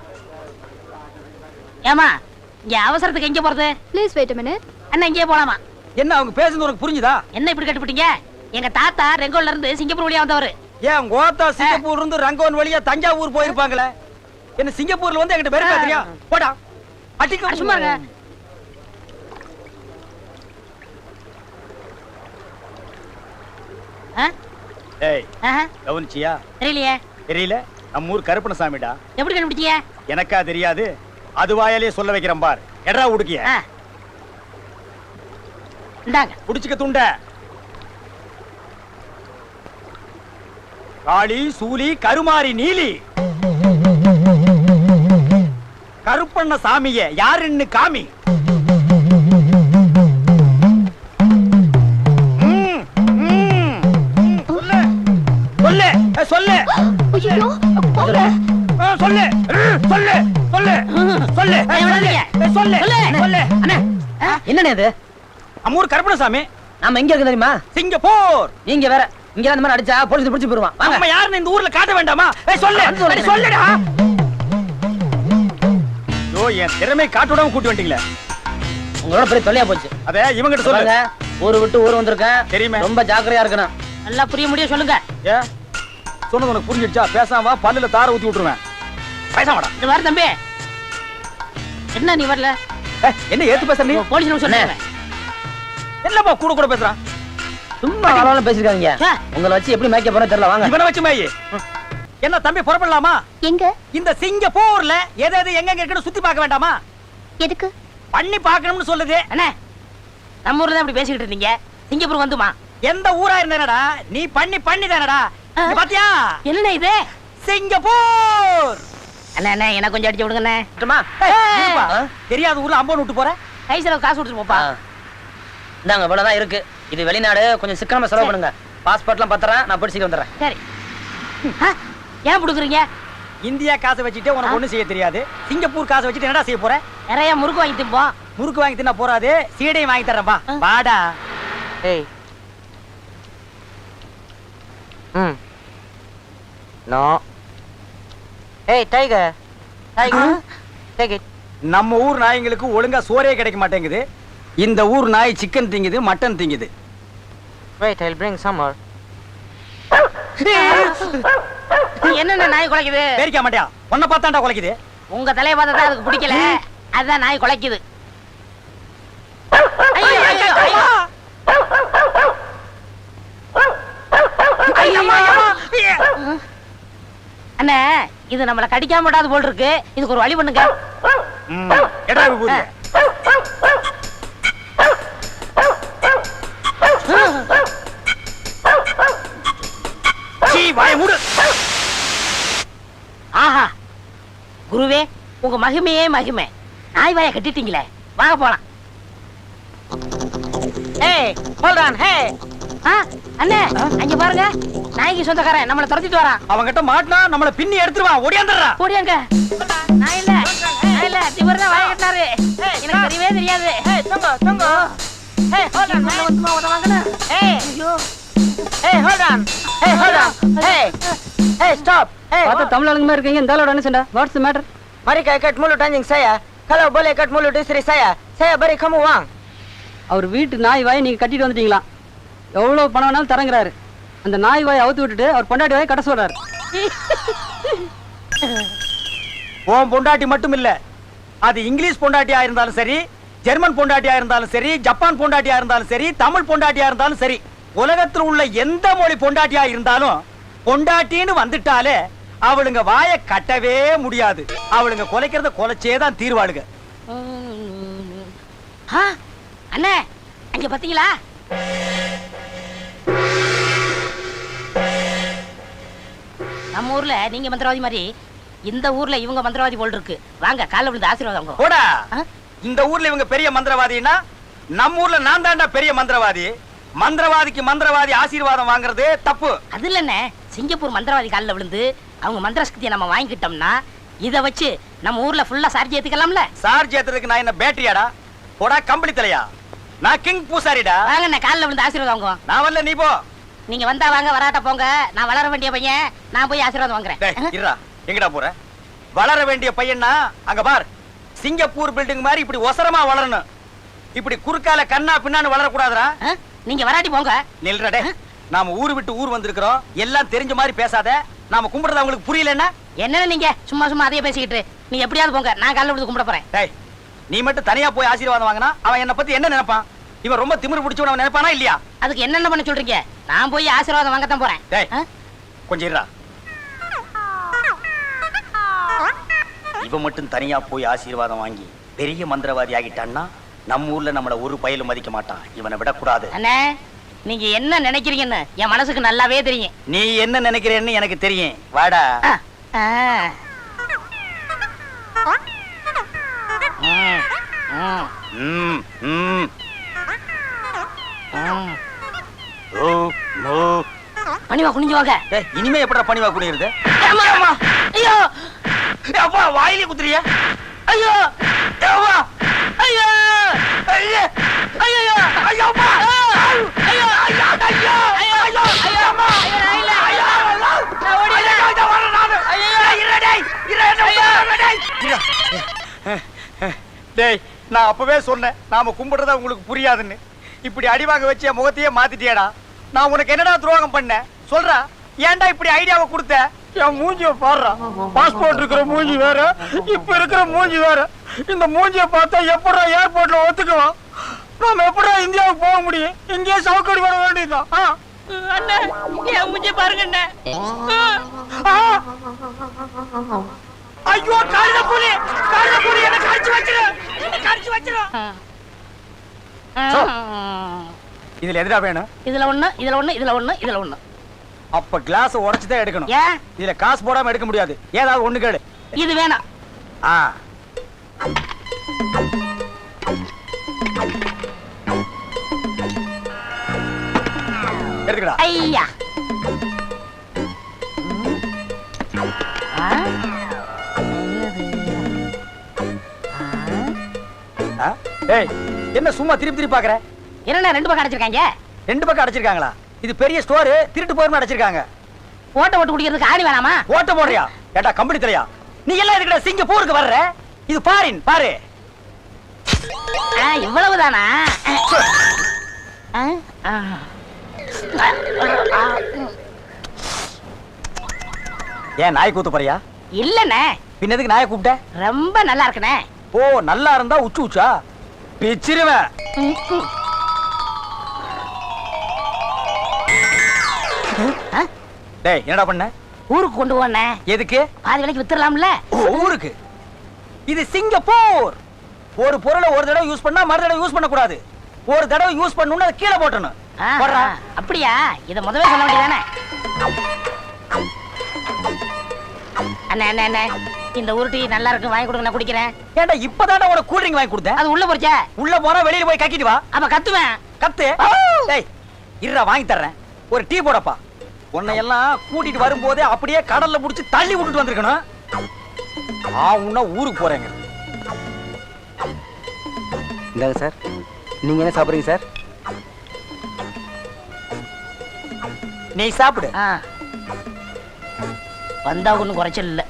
ஏமா, இங்க அவசரத்துக்கு எங்க போறது?
Please wait a minute.
அண்ணா இங்கே போலாமா?
என்ன அவங்க பேசுறது உனக்கு புரிஞ்சுதா?
என்ன இப்படி கட்டுப்பிட்டீங்க? எங்க தாத்தா ரெங்கோல்ல இருந்து சிங்கப்பூர் வழியா வந்தவரு.
ஏன் கோத்தா சிங்கப்பூர் இருந்து ரங்கோன் வழியா தஞ்சாவூர் போயிருப்பாங்களே. என்ன சிங்கப்பூர்ல வந்து என்கிட்ட வெறுப்பா தெரியா? போடா, அடிக்க
சும்மா இருங்க. ஆ?
டேய்,
ஆஹா,
கவனிச்சியா?
தெரியலையே.
தெரியல? நம்ம ஊர் கருப்பணசாமிடா.
எப்படி கண்டுபிடிச்சீங்க?
எனக்கா தெரியாது, அது வாயாலே சொல்ல வைக்கிறேன் பார். எடா உடுக்கிய
ஆ. இந்தாங்க.
புடிச்சுக்க துண்ட. காளி, சூலி, கருமாரி, நீலி. கருப்பண்ண சாமிய யாருன்னு காமி. ம், ம், ம், சொல்லு சொல்லு ஏ, சொல்லு
ஐயோ,
ஆ, சொல்லு சொல்லு சொல்லு சொல்லு ஏ, சொல்லு ஏ, சொல்லு சொல்லு.
அண்ணே, என்னண்ணே இது?
அம்மூர் கருப்பணசாமி.
நாம எங்க இருக்கு தெரியுமா?
சிங்கப்பூர்.
நீங்க வேற இங்க அந்த மாதிரி அடிச்சா போலீஸ் பிடிச்சு போயிருவான். வாங்க.
நம்ம யாருன்னு இந்த ஊர்ல காட்ட வேண்டாமா? ஏய், சொல்லு அடி, சொல்லுடா. யோ, என் திறமை காட்ட விடாம கூட்டி வந்துட்டீங்களே.
உங்களோட பெரிய தொல்லையா போச்சு.
அதே இவங்கிட்ட
சொல்லுங்க,
சொல்லுங்க.
ஊரு விட்டு ஊர் வந்திருக்கேன்.
தெரியுமே.
ரொம்ப ஜாக்கிரதையா இருக்கணும்.
நல்லா புரிய முடியும், சொல்லுங்க.
ஏ, சொன்னது உனக்கு புரிஞ்சிடுச்சா? பேசாம வா, பல்லுல தார ஊத்தி விட்டுருவேன். பேசாமடா.
இது வர தம்பி. என்ன நீ வரல?
ஏய், என்ன ஏத்து பேசுற நீ?
போலீஸ் நிமிஷம் சொன்னேன்.
என்னப்பா கூட கூட பேசுறான்?
சும்மா அளவுல பேசிருக்காங்க.
ஆ.
உங்களை வச்சு எப்படி மேய்க்க போறேன் தெரியல. வாங்க.
இவனை வச்சு மேயி. என்ன தம்பி, புறப்படலாமா?
எங்க?
இந்த சிங்கப்பூர்ல எது எது எங்க இருக்குன்னு சுத்தி பார்க்க வேண்டாமா?
எதுக்கு?
பண்ணி பார்க்கணும்னு சொல்லுது.
அண்ணே, நம்ம ஊர்ல தான் இப்படி பேசிக்கிட்டு இருந்தீங்க. சிங்கப்பூர் வந்துமா?
எந்த ஊரா இருந்தானடா, நீ பண்ணி பண்ணி தானடா. இங்க பாத்தியா?
என்ன இது?
சிங்கப்பூர்.
அண்ணா அண்ணா, எனக்கு கொஞ்சம் அடிச்சு விடுங்கண்ணே.
விட்டுமா?
ஏய், இருப்பா. தெரியாத ஊர்ல அம்பன் விட்டு போற.
கை செலவு காசு கொடுத்துட்டு போப்பா.
இந்தாங்க, இவ்வளவுதான் இருக்கு. இது வெளிநாடு, கொஞ்சம் சிக்கனமா செலவு பண்ணுங்க. பாஸ்போர்ட்லாம் பத்திரம், நான் போய் சீக்கிரம் வந்துடுறேன்.
சரி. ஆ, ஏன் கொடுக்குறீங்க?
இந்தியா காசை வச்சுட்டு உனக்கு ஒண்ணு செய்ய தெரியாது. சிங்கப்பூர் காசை வச்சுட்டு என்னடா செய்ய போற?
நிறைய முறுக்கு வாங்கி திம்போம்.
முறுக்கு வாங்கி தின்னா போறாது, சீடையும் வாங்கி தர்றேன்பா. வாடா.
ஏய். ம். நோ. ஏய், டைகர். டைகர். Take it.
நம்ம ஊர் நாய்ங்களுக்கு ஒழுங்கா சோறே கிடைக்க மாட்டேங்குது. இந்த ஊர் நாய் சிக்கன் திங்குது, மட்டன் திங்குது.
Wait, I'll bring some more.
என்னென்ன நாய் குலைக்குது?
பேரிக்க மாட்டியா? உன்னை பார்த்தாண்டா குலைக்குது.
உங்க தலைய பார்த்தா தான் அதுக்கு பிடிக்கல. அதான் நாய் குலைக்குது. ஐயோ, ஐயோ, ஐயோ. அண்ணே, இது நம்மள கடிக்காம விடாது போல் இருக்கு. இதுக்கு ஒரு வழி பண்ணுங்க.
ம், எடா விபூதி. சீ, வாயை மூடு.
ஆஹா, குருவே, உங்க மகிமையே மகிமை. நாய் வாயை கட்டிட்டீங்களே, வாங்க போலாம்.
Hey, hold on, hey.
ஆ, அண்ணே, அங்க பாருங்க, நாய்க்கு சொந்தக்காரன் நம்மள துரத்திட்டு வரான்.
அவன்கிட்ட மாட்டினா நம்மள பின்னி எடுத்துருவான். ஓடியாந்துடுறா.
ஓடியாங்க. நான் இல்ல, நான் இல்ல, இவர் தான் வாயை கட்டினாரு. எனக்கு தெரியவே தெரியாது.
Hey, tungo, tungo. Hey, hold on,
உள்ள
man.
வந்துமா உதவாங்கண்ணா.
Hey,
ஐயோ,
hey, hold on. Hey, hold on. Hey, hey, stop. Hey,
பார்த்தா தமிழ் ஆளுங்க மாதிரி இருக்கீங்க. இந்த ஆளோட என்ன சண்டை? What's the matter?
mari ka ikat mulut anjing saya. Kalau boleh ikat mulut istri saya, saya beri kamu uang.
அவர் வீட்டு நாய் வாயை நீங்க கட்டிட்டு வந்துட்டீங்களா? எவ்வளவு பணம் வேணாலும் தரங்குறாரு. அந்த நாய் வாயை அவுத்து விட்டுட்டு அவர் பொண்டாட்டி வாயை கட்ட சொல்றாரு.
உன் பொண்டாட்டி மட்டும் இல்ல, அது இங்கிலீஷ் பொண்டாட்டியா இருந்தாலும் சரி, ஜெர்மன் பொண்டாட்டியா இருந்தாலும் சரி, ஜப்பான் பொண்டாட்டியா இருந்தாலும் சரி, தமிழ் பொண்டாட்டியா இருந்தாலும் சரி, உலகத்தில் உள்ள எந்த மொழி பொண்டாட்டியா இருந்தாலும் பொண்டாட்டின்னு வந்துட்டாலே அவளுங்க வாயை கட்டவே முடியாது. அவளுங்க கொலைக்கிறத கொலைச்சே தான் தீர்வாளுங்க.
ஆ, அண்ணே, அங்க பாத்தீங்களா? நம்ம ஊர்ல நீங்க மந்திரவாதி மாதிரி இந்த ஊர்ல இவங்க மந்திரவாதி போல் இருக்கு. வாங்க, காலைல விழுந்து ஆசீர்வாதம் வாங்க.
போடா.
ஆ?
இந்த ஊர்ல இவங்க பெரிய மந்திரவாதின்னா நம்ம ஊர்ல நான் தாண்டா பெரிய மந்திரவாதி. மந்திரவாதிக்கு மந்திரவாதி ஆசீர்வாதம் வாங்குறது தப்பு.
அது இல்லண்ணே, சிங்கப்பூர் மந்திரவாதி காலில் விழுந்து அவங்க மந்திர சக்தியை நம்ம வாங்கிக்கிட்டோம்னா இத வச்சு நம்ம ஊர்ல ஃபுல்லா சார்ஜ் ஏத்துக்கலாம்ல.
சார்ஜ் ஏத்துறதுக்கு நான் என்ன பேட்டரியாடா? போடா கம்பளி தலையா. நான் கிங் பூசாரிடா.
வாங்கண்ணே, காலில் விழுந்து ஆசீர்வாதம் வாங்குவோம்.
நான் வரல, நீ போ.
நீங்க வந்தா வாங்க, வராட்ட போங்க. நான் வளர வேண்டிய பையன், நான் போய் ஆசீர்வாதம்
டேய்,
வாங்குறேன்.
இருடா. எங்கடா போற? வளர வேண்டிய பையனா அங்க பார். சிங்கப்பூர் பில்டிங் மாதிரி இப்படி ஒசரமா வளரணும். இப்படி குறுக்கால கண்ணா பின்னான்னு வளர கூடாதுடா.
ஆ? நீங்க வராட்டி போங்க.
நில்றா டேய். நாம ஊரு விட்டு ஊர் வந்திருக்கிறோம். எல்லாம் தெரிஞ்ச மாதிரி பேசாத. நாம கும்பிடுறது அவங்களுக்கு புரியலன்னா
என்னன்னு நீங்க சும்மா சும்மா அதையே பேசிக்கிட்டு நீ எப்படியாவது போங்க. நான் காலைல விழுந்து கும்பிட போறேன்.
டேய், நீ மட்டும் தனியா போய் ஆசீர்வாதம் வாங்கினா அவன் என்ன பத்தி என்ன நினைப்பான்? இவன் ரொம்ப திமிரு பிடிச்சவன் அவன் நினைப்பானா இல்லையா?
அதுக்கு என்னென்ன பண்ண சொல்றீங்க? நான் போய் ஆசீர்வாதம் வாங்கத்தான் போறேன்.
டேய்,
ஆ?
கொஞ்சம் இருடா. இவன் மட்டும் தனியா போய் ஆசீர்வாதம் வாங்கி பெரிய மந்திரவாதி ஆகிட்டான்னா நம்ம ஊர்ல நம்மள ஒரு பயலும் மதிக்க மாட்டான். இவனை விடக்கூடாது.
அண்ணே, நீங்க என்ன நினைக்கிறீங்கன்னு என் மனசுக்கு நல்லாவே தெரியும்.
நீ என்ன நினைக்கிறேன்னு எனக்கு தெரியும். வாடா.
ஆ. ஆ. ம். ம்.
ம், ம்.
ம்.
ஓ, மோ.
பணிவா குனிஞ்சு வாங்க.
டேய், இனிமே எப்படா பணிவா குனியிறது?
அம்மா, அம்மா. ஐயோ,
அப்பா வாயிலே குத்துறியா?
ஐயோ,
ஏவா!
ஐயோ,
ஐயே!
ஐயோ,
ஐயோ அப்பா! ஐயோ! ஐயோ! ஐயோ! ஐயோ! ஐயோ! ஐயோ அம்மா!
ஐயோ, நான் இல்ல.
ஐயோ!
நான் ஓடிடுறேன்.
ஐயோ, இதோ வரேன் நானு. டேய், இருடா டேய். இருடா, என்ன விடாத டேய். இருடா. டேய், நான் அப்பவே சொன்னேன் நாம கும்பிடுறத உங்களுக்கு புரியாதுன்னு. இப்படி அடி வாங்க வச்சு என் முகத்தையே மாத்திட்டியேடா. நான் உனக்கு என்னடா துரோகம் பண்ணேன் சொல்றா? ஏன்டா இப்படி ஐடியாவை கொடுத்த? என் மூஞ்சிய பாடுறா. பாஸ்போர்ட் இருக்கிற மூஞ்சி வேற, இப்ப இருக்கிற மூஞ்சி வேற. இந்த மூஞ்சிய பார்த்தா எப்படா ஏர்போர்ட்ல ஒத்துக்குவான்? நாம எப்படா இந்தியாவுக்கு போக முடியும்? இங்கேயே சவுக்கடி வர வேண்டியதுதான். ஆ?
அண்ணே, என் மூஞ்சி பாருங்க அண்ணே.
ஆ? ஐயோ, காலில புலி! காலில புலி! என்ன கடிச்சு வச்சிரு! என்ன கடிச்சு வச்சிரு! இதுல எதுடா வேணும்?
இதுல ஒண்ணு, இதுல ஒண்ணு, இதுல ஒண்ணு, இதுல ஒண்ணு.
அப்ப கிளாஸ் உடைச்சு தான் எடுக்கணும்.
ஏன்?
இதுல காசு போடாம எடுக்க முடியாது. ஏதாவது ஒண்ணு கேளு.
இது வேணாம்.
ஆ. எடுத்துக்கடா.
ஐயா. ஆ?
ஆ? ஏய், என்ன சும்மா திருப்பி திருப்பி பாக்குற?
என்னண்ணே ரெண்டு பக்கம் அடைச்சிருக்காங்க?
ரெண்டு பக்கம் அடைச்சிருக்காங்களா? இது பெரிய ஸ்டோர், திருட்டு போயிருமா அடைச்சிருக்காங்க.
ஓட்ட ஓட்டு குடிக்கிறதுக்கு ஆணி வேணாமா?
ஓட்ட போடுறியா? ஏட்டா கம்பெனி தலையா? நீ எல்லாம் எதுக்குடா சிங்கப்பூருக்கு வர்ற? இது பாரின் பாரு.
ஆ, இவ்வளவுதானா? ஆ? ஆ.
ஏன் நாய் கூத்து போறியா?
இல்லண்ணே,
பின்னதுக்கு நாயை கூப்பிட்ட?
ரொம்ப நல்லா இருக்குண்ணே.
ஓ, நல்லா இருந்தா உச்சு உச்சா பிச்சிருவேன். டேய், என்னடா பண்ண?
ஊருக்கு கொண்டு போனே.
எதுக்கு?
பாதி விலைக்கு வித்துடலாம்ல.
ஓ, ஊருக்கு. இது சிங்கப்பூர். ஒரு பொருளை ஒரு தடவை யூஸ் பண்ணா மறு தடவை யூஸ் பண்ண கூடாது. ஒரு தடவை யூஸ் பண்ணனும்னா அதை கீழே போட்டணும்.
ஆ,
போடுறா.
அப்படியா? இத முதவே சொல்ல வேண்டியதானே. அண்ணே அண்ணே அண்ணே, இந்த உருட்டி நல்லா இருக்கு, வாங்கி கொடுங்க, நான் குடிக்கிறேன்.
ஏன்டா இப்பதானே உனக்கு கூல் ட்ரிங்க் வாங்கி கொடுத்தேன்?
அது உள்ள போச்சே.
உள்ள போனா வெளியில போய் கக்கிட்டு வா.
அப்ப கத்துவேன்.
கத்து. டேய், இருடா, வாங்கி தர்றேன். ஒரு டீ போடப்பா. உன்னை எல்லாம் கூட்டிட்டு வரும்போதே அப்படியே கடல்ல புடிச்சு தள்ளி விட்டுட்டு வந்திருக்கணும். ஆ, உன்ன ஊருக்கு போறேங்க.
இந்தாங்க சார். நீங்க என்ன சாப்பிடுறீங்க சார்?
நீ சாப்பிடு.
ஆ. வந்தா ஒண்ணும் குறைச்சல் இல்ல.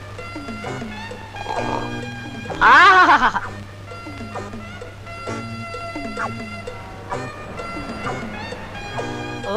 ஆஹா, ஓ,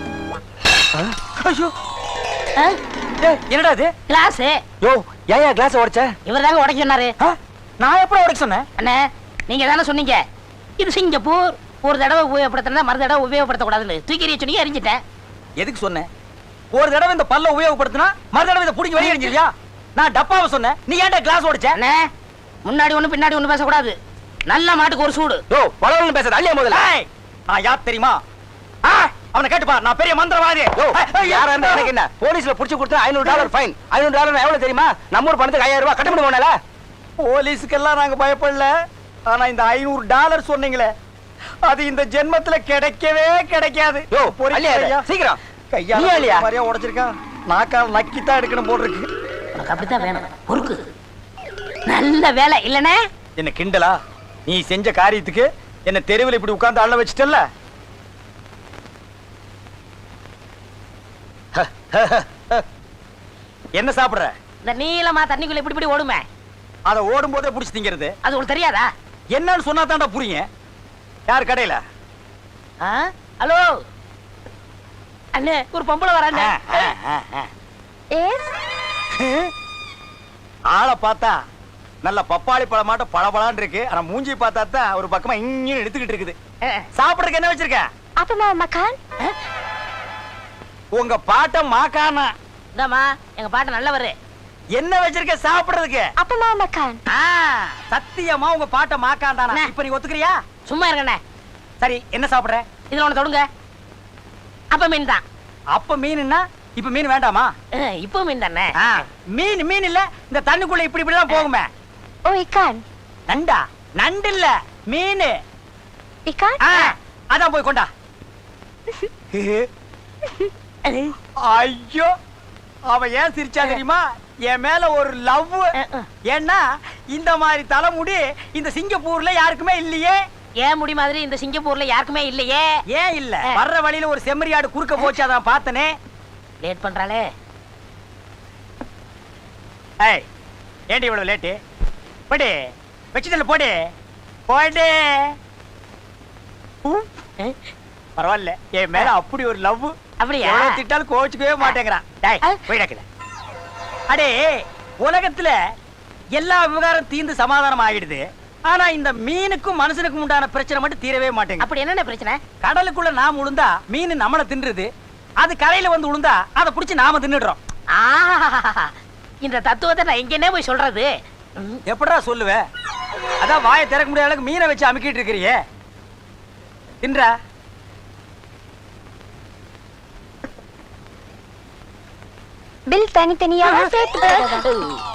ஐயோ,
ஆ,
டேய், என்னடா இது?
கிளாஸ்
யோ, ஏன் கிளாஸ் உடைச்ச?
இவர் தாங்க உடைக்க சொன்னாரு.
ஆ, நான் எப்படி உடைக்க சொன்னேன்?
அண்ணே, நீங்க தானே சொன்னீங்க இது சிங்கப்பூர், ஒரு தடவை உபயோகப்படுத்தினா மறு தடவை உபயோகப்படுத்தக்கூடாதுன்னு. தூக்கி எறிய சொன்னீங்க, எரிஞ்சிட்டேன்.
எதுக்கு சொன்னேன்? ஒரு தடவை இந்த பல்ல உபயோகப்படுத்தினா மறு தடவை இதை புடிங்க வெளியே எரிஞ்சிருவியா? நான் டப்பாவை சொன்னேன், நீ ஏன்டா கிளாஸ் உடைச்ச?
அண்ணே, முன்னாடி ஒண்ணு பின்னாடி ஒண்ணு பேசக்கூடாது. நல்ல மாட்டுக்கு ஒரு சூடு.
யோ, வளவளன்னு பேசாத. அள்ளியா முதல்ல.
ஏய், நான் யார் தெரியுமா? ஆ, அவனை கேட்டுப்பா, நான் பெரிய மந்திரவாதி.
யோ, யாரா இருந்தா எனக்கு என்ன? போலீஸ்ல புடிச்சு கொடுத்தா ஐநூறு டாலர் ஃபைன். ஐநூறு டாலர் எவ்வளவு தெரியுமா? நம்ம ஊர் பணத்துக்கு ஐயாயிரம் ரூபாய் கட்ட முடியுமால?
போலீஸுக்கெல்லாம் நாங்க பயப்படல. ஆனா இந்த ஐநூறு டாலர் சொன்னீங்களே, அது இந்த ஜென்மத்துல கிடைக்கவே கிடைக்காது.
யோ,
பொறுக்கி
அள்ளியா
ஐயா.
சீக்கிரம்.
கையால
நீ அள்ளியா?
மாதிரியா உடைச்சிருக்கான். நாக்கால் நக்கித்தான் எடுக்கணும் போல் இருக்கு.
உனக்கு அப்படித்தான் வேணும். பொறுக்கு. நல்ல வேலை இல்லனே.
என்ன கிண்டலா? நீ செஞ்ச காரியத்துக்கு என்ன தெருவில் இப்படி உட்கார்ந்து அள்ள வச்சிட்டல்ல? என்ன சாப்பிடுற?
இந்த நீளமா தண்ணிக்குள்ள இப்படி இப்படி ஓடுமே,
அத ஓடும் போதே புடிச்சு திங்கிறது.
அது உங்களுக்கு தெரியாதா?
என்னன்னு சொன்னா தான்டா புரியும். யார் கடையில?
ஆ? ஹலோ அண்ணே, ஒரு பொம்பளை வரானே.
ஆளை பார்த்தா நல்ல பப்பாளி பழமாட்ட பளபளன்னு இருக்கு. ஆனா மூஞ்சி பார்த்தா தான் ஒரு பக்கமா இங்க எடுத்துக்கிட்டு இருக்குது. சாப்பிடுறதுக்கு என்ன வச்சிருக்க?
அப்பமா மக்கான்.
உங்க பாட்ட மாக்கானா?
இந்தாம்மா, எங்க பாட்டு நல்லவரு.
என்ன வச்சிருக்க சாப்பிடுறதுக்கு?
அப்பமா மக்கான்.
ஆ, சத்தியமா உங்க பாட்ட மாக்காண்டானா?
அண்ணே.
இப்ப நீ ஒத்துக்கிறியா?
சும்மா இருங்கண்ணே.
சரி, என்ன சாப்பிடுற?
இதுல ஒண்ணு தொடுங்க. அப்ப மீன் தான்.
அப்ப மீன்னா இப்ப மீன் வேண்டாமா?
இப்போ மீன் தானே.
ஆ, மீன் மீன் இல்ல, இந்த தண்ணுக்குள்ள இப்படி இப்படி எல்லாம் போகுமே.
ஓ இக்கான்.
நண்டா? நண்டு இல்ல, மீன்.
இக்கான்.
ஆ, அதான் போய் கொண்டா. ஐயோ, அவ ஏன் சிரிச்சா தெரியுமா? என் மேல ஒரு லவ். ஏன்னா இந்த மாதிரி தலைமுடி இந்த சிங்கப்பூர்ல யாருக்குமே இல்லையே.
ஏன் முடி மாதிரி இந்த சிங்கப்பூர்ல யாருக்குமே இல்லையே.
ஏன் இல்ல? வர்ற வழியில ஒரு செம்மறியாடு குறுக்க போச்சு, அதான் பார்த்தனே.
லேட் பண்றாளே.
ஏய், ஏண்டி இவ்வளவு லேட்டு? போடு, வச்சுதல்ல போடு, போடு. பரவாயில்ல, என் மேல அப்படி ஒரு லவ்.
அப்படியா?
எவ்வளவு திட்டாலும் கோச்சுக்கவே மாட்டேங்கிறான். டேய், போயிடக்கல. அடே, உலகத்துல எல்லா விவகாரம் தீர்ந்து சமாதானம் ஆகிடுது. ஆனா இந்த மீனுக்கும் மனுஷனுக்கும் உண்டான பிரச்சனை மட்டும் தீரவே மாட்டேங்குது.
அப்படி என்னென்ன பிரச்சனை?
கடலுக்குள்ள நாம உளுந்தா மீன் நம்மள தின்றுது. அது கரையில வந்து உளுந்தா அதை புடிச்சு நாம தின்னுடுறோம்.
ஆஹா, இந்த தத்துவத்தை நான் எங்கன்னே போய் சொல்றது?
எப்படா சொல்லுவ? அதான் வாயை திறக்க முடியாத அளவுக்கு மீனை வச்சு அமுக்கிட்டு இருக்கிறியே. தின்றா?
பில் தனித்தனியாக சேர்த்து போடுறதா?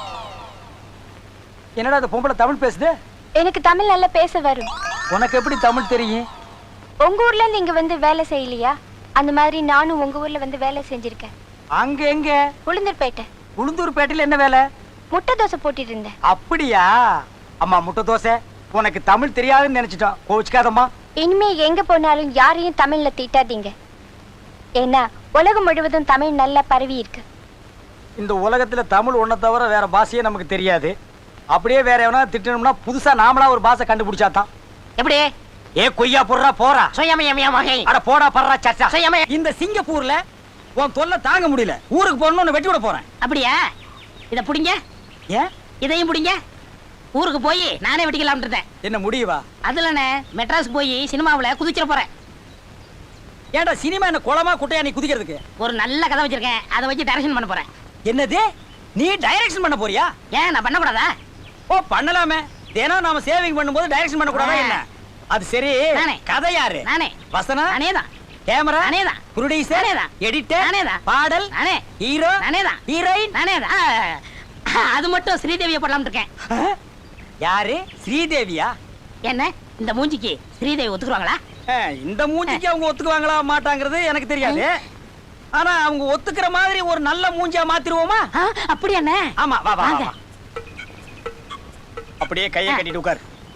என்னடா அந்த பொம்பளை தமிழ் பேசுது?
எனக்கு தமிழ் நல்லா பேச வரும்.
உனக்கு எப்படி தமிழ் தெரியும்?
உங்க ஊர்ல இருந்து இங்க வந்து வேலை செய்யலையா? அந்த மாதிரி நானும் உங்க ஊர்ல வந்து வேலை செஞ்சிருக்கேன்.
அங்க எங்க?
உளுந்தூர்பேட்டை.
உளுந்தூர்பேட்டையில என்ன வேலை?
முட்டை தோசை போட்டுட்டு இருந்தேன்.
அப்படியா? அம்மா, முட்டை தோசை உனக்கு தமிழ் தெரியாதுன்னு நினைச்சிட்டோம். கோவிச்சுக்காதம்மா.
இனிமே எங்க போனாலும் யாரையும் தமிழ்ல திட்டாதீங்க. ஏன்னா உலகம் முழுவதும் தமிழ் நல்லா பரவி இருக்கு.
இந்த உலகத்துல தமிழ் ஒன்ன தவிர வேற பாஷையே நமக்கு தெரியாது. அப்படியே வேற எவனா திட்டணும்னா புதுசா நாமளா ஒரு பாஷை கண்டுபிடிச்சாதான்.
எப்படி?
ஏ கொய்யா போடுறா போறா.
சுயமயமய மகை.
அட போடா படுறா சச்சா.
சுயமய.
இந்த சிங்கப்பூர்ல உன் தொல்லை தாங்க முடியல. ஊருக்கு போறணும்னு வெட்டி விட போறேன்.
அப்படியா? இத புடிங்க.
ஏன்?
இதையும் புடிங்க. ஊருக்கு போய் நானே வெட்டிக்கலாம்னு இருந்தேன்.
என்ன முடியவா?
அதுலனே மெட்ராஸ் போய் சினிமாவுல குதிச்சிட போறேன்.
ஏன்டா சினிமா என்ன குளமா குட்டையா நீ குதிக்கிறதுக்கு?
ஒரு நல்ல கதை வச்சிருக்கேன். அதை வச்சு டைரக்ஷன் பண்ண போறேன்.
என்னது? நீ டைரக்ஷன் பண்ண போறியா?
ஏன் நான் பண்ண கூடாதா?
ஓ பண்ணலாமே. தினம் நாம சேவிங் பண்ணும்போது டைரக்ஷன் பண்ண கூடாதா என்ன? அது சரி.
நானே.
கதை யாரு?
நானே.
வசனம்
நானேதான்.
கேமரா
நானேதான்.
ப்ரொடியூசர்
நானேதான்.
எடிட்டர்
நானேதான்.
பாடல்
நானே.
ஹீரோ
நானேதான்.
ஹீரோயின்
நானேதான். அது மட்டும் ஸ்ரீதேவியை போடலாம்னு இருக்கேன்.
யாரு? ஸ்ரீதேவியா?
என்ன இந்த மூஞ்சிக்கு ஸ்ரீதேவி ஒத்துக்குவாங்களா?
அஹ், இந்த மூஞ்சிக்கு அவங்க ஒத்துக்குவாங்களா மாட்டாங்கிறது எனக்கு தெரியாது. ஆனா அவங்க ஒத்துக்கிற மாதிரி ஒரு நல்ல மூஞ்சியா மாத்திருவோமா?
ஆ, அப்படியா அண்ணே?
ஆமா வா வா
வாங்க.
வா. அப்படியே கையை கட்டிட்டு உட்கார்.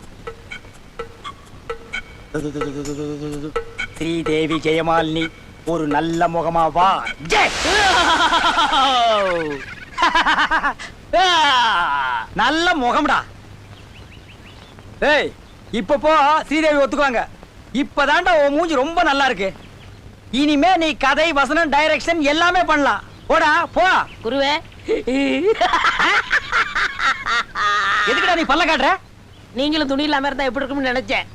ஸ்ரீதேவி ஜெயமாலினி ஒரு நல்ல முகமா வா. ஜெய். நல்ல முகம்டா. ஏய் இப்ப போ, ஸ்ரீதேவி ஒத்துக்குவாங்க. இப்பதான்டா உன் மூஞ்சி ரொம்ப நல்லா இருக்கு. இனிமே நீ கதை வசனம் டைரக்ஷன் எல்லாமே பண்ணலாம். போடா போ.
குருவே,
எதுக்குடா நீ பல்ல காட்டுற?
நீங்களும் துணி இல்லாம இருந்தா எப்படி இருக்கும்னு நினைச்சேன்.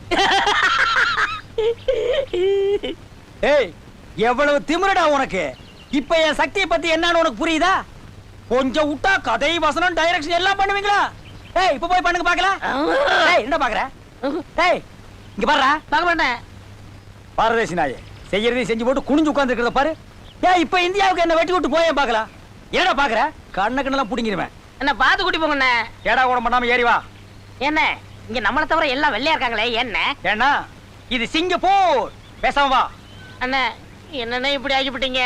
ஏய் எவ்வளவு திமிருடா உனக்கு. இப்ப என் சக்தியை பத்தி என்னன்னு உனக்கு புரியுதா? கொஞ்சம் விட்டா கதை வசனம் டைரக்ஷன் எல்லாம் பண்ணுவீங்களா? ஏய் இப்ப போய் பண்ணுங்க பாக்கலாம். ஏய் என்ன பாக்குற? ஏய் இங்க பாருடா.
பார்க்க மாட்டேன்.
பாரதேசி நாயே, செய்யறதையும் செஞ்சு போட்டு குனிஞ்சு உட்கார்ந்து இருக்கிறத பாரு. ஏய் இப்ப இந்தியாவுக்கு என்ன வெட்டி விட்டு போயே பாக்கலாம். என்னடா பாக்குற? கண்ண கண்ணெல்லாம் புடிங்கிருவேன்.
என்ன பார்த்து கூட்டி போங்கண்ணே.
ஏடா கூட பண்ணாம ஏறி வா.
என்ன இங்க நம்மளை தவிர எல்லாம் வெள்ளையா இருக்காங்களே என்ன?
ஏன்னா இது சிங்கப்பூர். பேசாம வா.
அண்ணா என்னண்ணே இப்படி ஆகிவிட்டீங்க?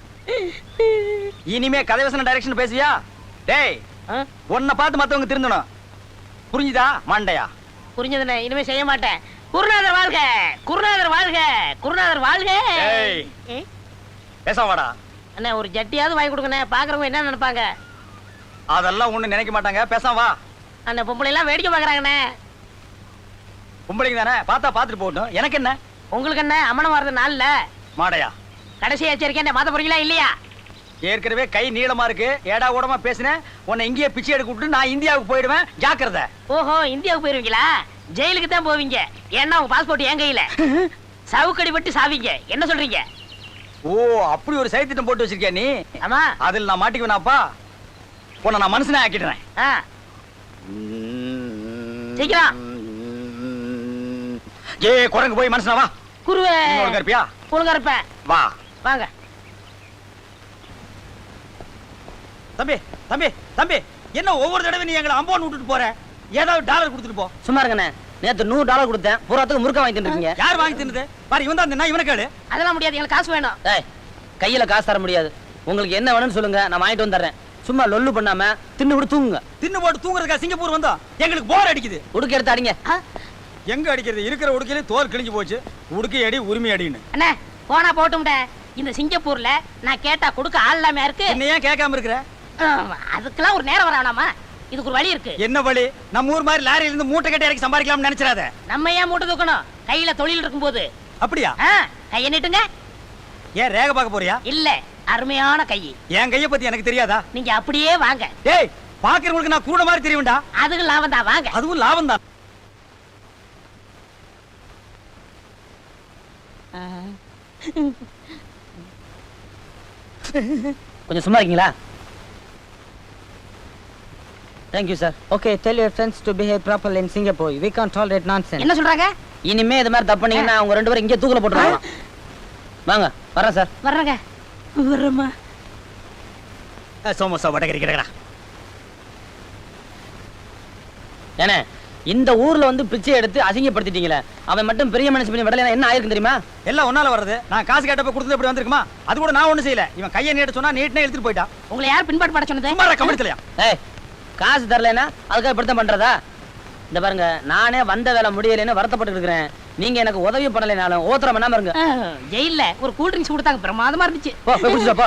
இனிமே கதை வசனம் டைரக்ஷன் பேசுவியா? டேய்
ஆ?
உன்னை பார்த்து மத்தவங்க திருந்தணும். புரிஞ்சுதா மண்டையா?
புரிஞ்சதுண்ணே, இனிமே செய்ய மாட்டேன். குருநாதர் வாழ்க, குருநாதர் வாழ்க, குருநாதர் வாழ்க.
ஏய்.
ம்?
பேசாம வாடா.
அண்ணே ஒரு ஜட்டியாவது வாங்கி கொடுங்கண்ணே. பாக்குறவங்க என்ன நினைப்பாங்க?
அதெல்லாம் ஒண்ணு நினைக்க மாட்டாங்க. பேசாம வா.
அண்ணே பொம்பளை எல்லாம் வேடிக்கை பாக்குறாங்கண்ணே.
பொம்பளைங்க தானே, பார்த்தா பார்த்துட்டு போகட்டும். எனக்கு என்ன?
உங்களுக்கு என்ன அம்மனம் வர்றது நாள்ல
மாடையா,
கடைசி எச்சரிக்கை மாத்த போறீங்களா இல்லையா?
ஏற்கனவே கை நீளமா இருக்கு. ஏடா கூடமா பேசினேன். உன்னை இங்கேயே பிச்சை எடுக்க விட்டு நான் இந்தியாவுக்கு போயிடுவேன். ஜாக்கிரதை.
ஓஹோ இந்தியாவுக்கு போயிருவீங்களா? ஜெயிலுக்கு தான் போவீங்க. ஏன்னா உங்க பாஸ்போர்ட் என் கையில. சவுக்கடி பட்டு சாவீங்க. என்ன சொல்றீங்க?
ஓ அப்படி ஒரு சைத்திட்டம் போட்டு வச்சிருக்கியா நீ?
ஆமா.
அதில் நான் மாட்டிக்குவேனாப்பா? உன்னை நான் மனுஷனே ஆக்கிடுறேன்.
ஆ. சீக்கிரம்.
ஏ குரங்கு போய் மனுஷனா வா.
குருவே
ஒழுங்கா இருப்பியா?
ஒழுங்கா இருப்பேன்.
வா.
வாங்க.
தம்பி தம்பி தம்பி, என்ன ஒவ்வொரு தடவை நீ எங்களை அம்போன் விட்டுட்டு போற? ஏதாவது டாலர் கொடுத்துட்டு போ. சும்மா இருங்கண்ணே, நேத்து நூறு டாலர் கொடுத்தேன். பூராத்துக்கு முறுக்க வாங்கி தின்னுருக்கீங்க. யார் வாங்கி தின்னது? பாரு இவன் தான் தின்னா. இவனை கேளு.
அதெல்லாம் முடியாது, எங்களுக்கு காசு வேணும்.
ஏய் கையில காசு தர முடியாது. உங்களுக்கு என்ன வேணும்னு சொல்லுங்க, நான் வாங்கிட்டு வந்துடுறேன். சும்மா லொல்லு பண்ணாம தின்னு விட்டு தூங்குங்க. தின்னு போட்டு தூங்குறதுக்கா சிங்கப்பூர் வந்தோம்? எங்களுக்கு போர் அடிக்குது. உடுக்க எடுத்து அடிங்க. எங்க அடிக்கிறது? இருக்கிற உடுக்கையில தோல் கிழிஞ்சு போச்சு. உடுக்கை அடி உரிமை அடின்னு.
அண்ணே போனா போட்டும்ட. இந்த சிங்கப்பூர்ல நான் கேட்டா கொடுக்க ஆள் இல்லாம இருக்கு.
என்ன ஏன் கேட்காம இருக்கிற?
அதுக்கெல்லாம் ஒரு நேரம் வர வேணாமா? இதுக்கு ஒரு வழி இருக்கு.
என்ன வழி? நம்ம ஊர் மாதிரி லாரியில இருந்து மூட்டை கட்டி இறக்கி சம்பாதிக்கலாம்னு நினைச்சிராத.
நம்ம ஏன் மூட்டை தூக்கணும்? கையில தொழில் இருக்கும்போது.
அப்படியா?
ஆ, கையை நீட்டுங்க.
ஏன் ரேக பார்க்க போறியா?
இல்ல, அருமையான கை.
என் கைய பத்தி எனக்கு தெரியாதா?
நீங்க அப்படியே வாங்க.
டேய் பாக்குறவங்களுக்கு நான் கூட மாதிரி தெரியும்டா.
அதுக்கு லாபம் தான், வாங்க.
அதுவும் லாபம் தான். கொஞ்சம் சும்மா இருக்கீங்களா? Thank you sir.
Okay, tell your friends to behave properly in Singapore. We can't tolerate nonsense.
என்ன சொல்றாங்க?
இனிமே இது மாதிரி தப்பு பண்ணீங்கன்னா அவங்க ரெண்டு பேரும் இங்கே தூக்கல போட்டுருவாங்க. வாங்க வரேன் சார்.
வர்றேங்க. வர்றேம்மா.
சோமசா வடகரி கிடக்கடா. ஏனே இந்த ஊர்ல வந்து பிச்சை எடுத்து அசிங்கப்படுத்திட்டீங்களே, அவன் மட்டும் பெரிய மனுஷன் பண்ணி விடலைன்னா என்ன ஆயிருக்கும் தெரியுமா? எல்லாம் ஒன்னால வருது. நான் காசு கேட்டப்ப கொடுத்தது இப்படி வந்திருக்குமா? அது கூட நான் ஒண்ணும் செய்யல. இவன் கையை நீட்ட சொன்னா நீட்டனே எடுத்துட்டு போயிட்டான்.
உங்களை யார் பின்பாட்டு பட சொன்னது?
சும்மா கமிட்டலையா? ஏய் காசு தரலைன்னா அதுக்காக இப்படித்தான் பண்றதா? இந்த பாருங்க, நானே வந்த வேலை முடியலைன்னு வருத்தப்பட்டு இருக்கிறேன். நீங்க எனக்கு உதவி பண்ணலைனாலும் ஓத்திரம் பண்ணாம இருங்க.
ஜெயில ஒரு கூல் ட்ரிங்க்ஸ் கொடுத்தாங்க, பிரமாதமா இருந்துச்சு.
போ போய் குடிச்சிட்டு வா, போ.